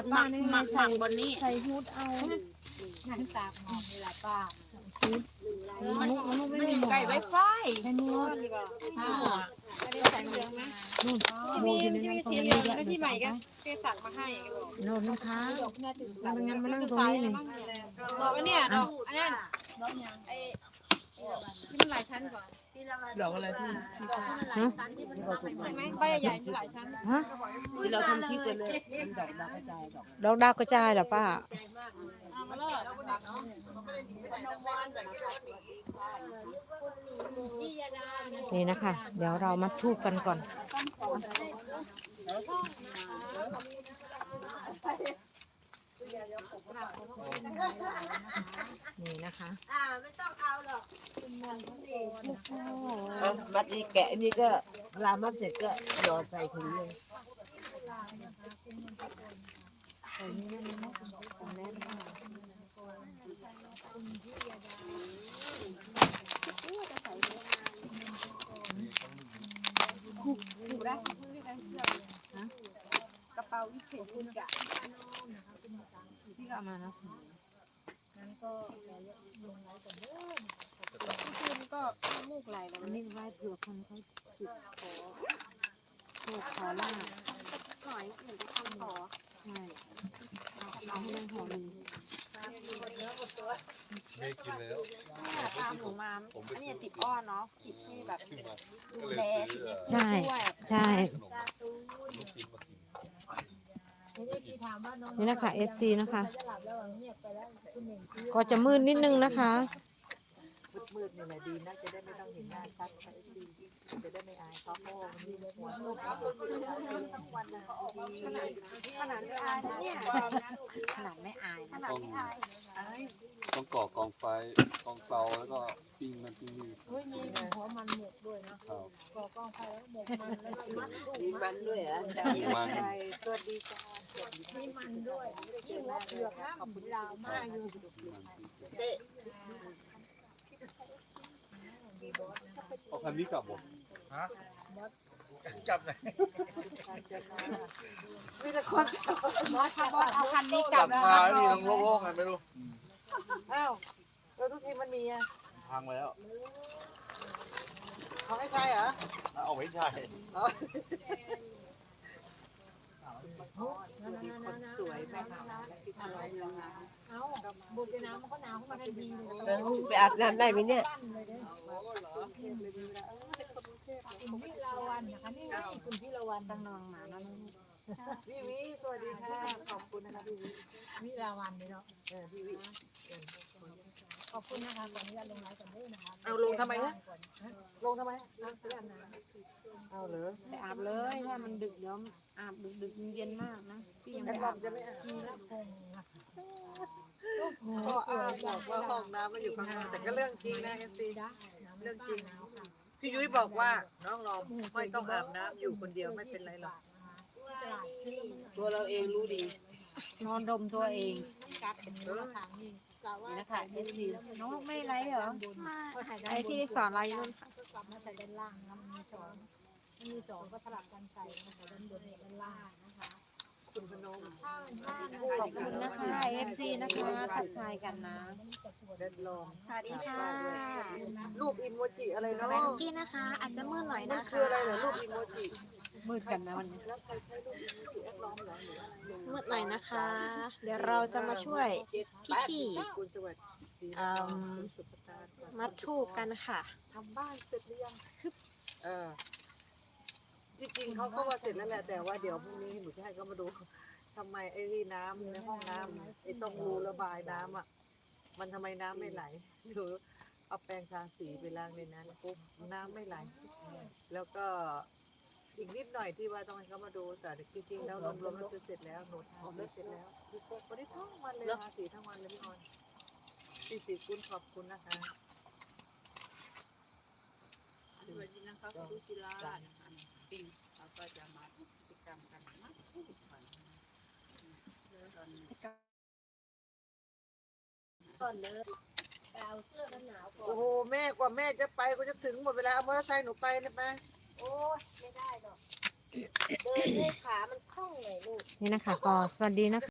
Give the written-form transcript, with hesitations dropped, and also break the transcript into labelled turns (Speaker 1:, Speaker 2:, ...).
Speaker 1: ป้านี่ไงใส่
Speaker 2: บนนี้
Speaker 1: ใส่ฮูดเอานั่นตากหมอกนี่แหละป้าฮูดมันไม่มีหมอก
Speaker 2: ไก่ไวไฟ
Speaker 1: ใช่นวด
Speaker 3: ไม่ได้ใส่เหลืองไหม
Speaker 1: นู่น
Speaker 3: จะ
Speaker 1: โบ
Speaker 3: มี
Speaker 1: อยู่ใน
Speaker 3: จะ
Speaker 1: นั้
Speaker 3: มี
Speaker 1: นตรง
Speaker 3: สี
Speaker 1: นี้
Speaker 3: เหลือง
Speaker 1: เยอะ
Speaker 3: แล้วที่ใหม่ก็เพื่อสั่งมาให้
Speaker 1: โน่นนะคะมันงั้นมานั่งตรงนี้นี่
Speaker 3: ดอกอันเนี้ยดอกอันนั้นไอ้ที่มันหลายชั้นก่อน
Speaker 4: ดอกอะไรพี่
Speaker 1: ฮะ
Speaker 3: ใช่ไหมใบใหญ่ๆที่หลายชั้น
Speaker 1: ฮะ
Speaker 2: ที่เราทำคลิปกันเลย
Speaker 1: ดอกดาวกระจายเหรอป้านี่นะคะ เดี๋ยวเรามาทูบกันก่อนนี่นะคะ
Speaker 2: มัดนี้แกะนี่ก็ลามัดเสร็จก็หยอดใส่ถุงเลย
Speaker 3: กระเป๋าวิเศษคุณกะ
Speaker 1: พี่ก็เอามานะ
Speaker 3: คุณก็มูกไหลแล้ว
Speaker 1: อันนี้ไว้เผื่อคนเขาจุดขอโชคขอลาบ
Speaker 3: หน่อยเหมือนจะทำขอ
Speaker 1: ใช่เอาให้นั่งหอหนึ่ง
Speaker 4: ไม่กินแล้ว
Speaker 3: ตามหนูมาอันนี้ติดอ้อนเนาะติดที่แบบ
Speaker 4: ขึ้นมา
Speaker 3: ดู
Speaker 4: ก็เลย
Speaker 3: แล
Speaker 4: ซื้อ
Speaker 1: ใช่
Speaker 3: ด้วย
Speaker 1: ใช่
Speaker 4: ขนมลูกชิ้นมากิน
Speaker 1: นี่นะคะ FC นะคะ ก็จะมืดนิดนึงนะคะ
Speaker 2: มืดๆนี่แหละดีนะจะได้ไม่ต้องเห็นหน้าชัดจะได้ไม่อายเขาเพราะว่ามันมีหัวลูกเขาทั้งวันนะ
Speaker 3: ขนาดไม่อายนะเนี่ย
Speaker 1: ขนาดไม่อาย
Speaker 3: ขนาดไม่อาย
Speaker 4: ต้องก่อกองไฟกองเตาแล้วก็ปิ้งมันปิ้งนี่
Speaker 1: มีหัวมันหมกด้วยนะครับ ก่อกองไฟแล้วหมกมันแล้วก็มัดลูก
Speaker 2: มีมันด้วยอ่ะ
Speaker 4: มีมัน
Speaker 2: สวัสดีจ้าสวัสดี
Speaker 1: มีมันด้วยที่หัวเปลือกนะขอบคุณดาวมากอยู่
Speaker 2: เต้
Speaker 4: เอาคันนี้กลับบ่
Speaker 5: กลับไหน
Speaker 2: มีแต่คน
Speaker 3: บอสค่ะบอสเอาคันนี้ก
Speaker 5: ก
Speaker 3: ลั
Speaker 5: ลั
Speaker 3: บบ แล้ว
Speaker 5: มานี่ต้องโล่งๆไงไม่รู้
Speaker 2: อ้าวแล้วทุกทีมันมีอ่ะ
Speaker 5: พังแล้ว
Speaker 2: เขาให้ใครเหรอ
Speaker 5: เอาไม่ใช่
Speaker 2: คนสวยแม่ค่ะอร่อยจัง
Speaker 1: เอาบุกไปน้ำมันก็หนาวขึ้นมาทันทีเลย
Speaker 2: ไปอาบน้ำได้ไหมเนี่ย
Speaker 1: คุณพี่ลาวันนะคะนี่ไงคุณพี่ลาวันตั้งนองหมานะ
Speaker 2: พี่วิสวัสดีค่ะขอบคุณนะคะพี่วิ
Speaker 1: พี่ลาวันเลยเนาะ
Speaker 2: พี่วิ
Speaker 1: ขอบคุณนะคะขออนุญาตลงไลฟ์ก่อนด้วยนะคะ
Speaker 2: เอาลงทำไมนะลงทำไม
Speaker 1: ไปอาบน้
Speaker 2: เอาเหรอ
Speaker 1: ำไปอาบเลยถ้ามันดึกเดี๋ยวอาบดึกเย็นมากนะพี่ยัง
Speaker 2: แอ
Speaker 1: ไม่
Speaker 2: ดบอ
Speaker 1: อาบ
Speaker 2: จะไม่อาบ
Speaker 1: มีละคงนะคะ
Speaker 2: ก็อาบบอกว่าห้องน้ำมันอยู่ข้างนอกแต่ก็เรื่องจริงนะเอฟซีเรื่องจริงพี่ยุ้ยบอกว่าน้องลองไม่ต้องอาบน้ำอยู่คนเดียวไม่เป็นไรหรอกตัวเราเองรู้ดี
Speaker 1: นอนดมตัวเอง
Speaker 2: เออ
Speaker 1: นี่นะคะเอฟซีน้องไม่ไรเหรอ
Speaker 3: ไอ้ที่สอนอะไรนู่นค่ะ
Speaker 1: กลับมาใส่ด้านล่างนะมันมีสองก็สลับกันใส่นะคะด้านบนด้านล่างนะคะ
Speaker 2: คุณพนม
Speaker 1: ขอบคุณนะคะ FC นะคะทักทายกันนะ
Speaker 2: เดินลม
Speaker 3: สวัสดีค่ะ
Speaker 2: รูปอิโมจิอะไรเนาะ
Speaker 3: แบงกี้นะคะ อาจจะมืดหน่อย
Speaker 2: มัน
Speaker 3: นะ
Speaker 2: คื
Speaker 3: คะ
Speaker 2: ออะไรเหรอรูปอิโมจิ
Speaker 1: มืดกันนะวันนี้
Speaker 2: แล้วใครใช้รูปอิโมจิแอดล้อมเหรอหรืออะไร
Speaker 3: มืดหน่อยนะคะ เดี๋ยวเราจะมาช่วยพี่
Speaker 2: คุณสวัสดี
Speaker 3: เอิ่ม
Speaker 2: คุณสุภตา
Speaker 3: ๆมัดทูบกันค่ะ
Speaker 2: ทำบ้านเสร็จหรือยังจริงๆเขาก็ว่าเสร็จแล้วแหละแต่ว่าเดี๋ยวพรุ่งนี้หนูจะให้เขามาดูทำไมไอ้นี่น้ำในห้องน้ำไอ้ตรงรูระบายน้ำอ่ะมันทำไมน้ำไม่ไหลหรือเอาแปรงทาสีไปล้างในนั้นปุ๊บน้ำไม่ไหล แล้วก็อีกนิดหน่อยที่ว่าต้องให้เขามาดูแต่จริงๆแล้วรวมๆแล้วคือเสร็จแล้วหนูทำได้เสร็จแล้ววันนี้ทั้งวันเลยทาสีทั้งวันเลยพี่ออนพี่สีคุณขอบคุณนะคะ
Speaker 6: สวัสดีนะคะคุณจิรานะคะปิงเราก็จะมากิจกรรมกันมาทุกวันตอนนี้
Speaker 1: ก่อนเลยเอาเสื้อกันหนาวก่อน
Speaker 2: โอ้โหแม่กว่าแม่จะไปก็จะถึงหมดเวลาเอามอเตอร์ไซค์หนูไปนะป้า
Speaker 1: โอ้ยไม่ได้หรอกเดินด้วยขามันคล่องเลยลูกนี่นะคะก็สวัสดีนะคะ